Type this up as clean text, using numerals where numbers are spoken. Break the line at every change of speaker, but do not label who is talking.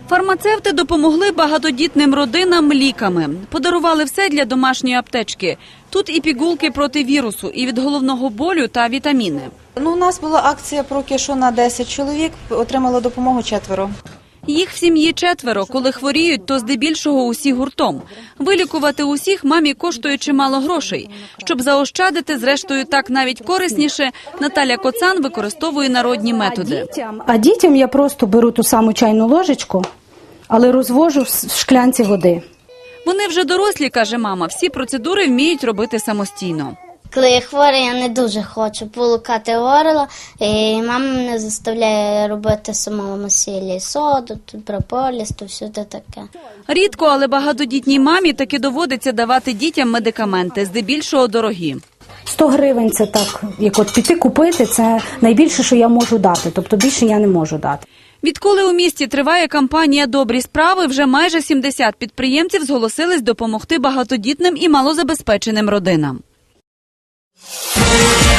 Фармацевти допомогли багатодітним родинам ліками. Подарували все для домашньої аптечки. Тут і пігулки проти вірусу, і від головного болю та вітаміни.
У нас була акція про кишу на 10 чоловік, отримало допомогу 4.
Їх в сім'ї 4. Коли хворіють, то здебільшого усі гуртом. Вилікувати усіх мамі коштує чимало грошей. Щоб заощадити, зрештою так навіть корисніше, Наталя Коцан використовує народні методи.
А дітям я просто беру ту саму чайну ложечку, але розвожу в шклянці води.
Вони вже дорослі, каже мама, всі процедури вміють робити самостійно.
Коли я хвора, я не дуже хочу полукати горло, і мама мене заставляє робити самому сілі, соду, прополіс, то все таке.
Рідко, але багатодітній мамі таки доводиться давати дітям медикаменти, здебільшого дорогі.
100 гривень – це так, як от піти купити, це найбільше, що я можу дати, тобто більше я не можу дати.
Відколи у місті триває кампанія «Добрі справи», вже майже 70 підприємців зголосились допомогти багатодітним і малозабезпеченим родинам.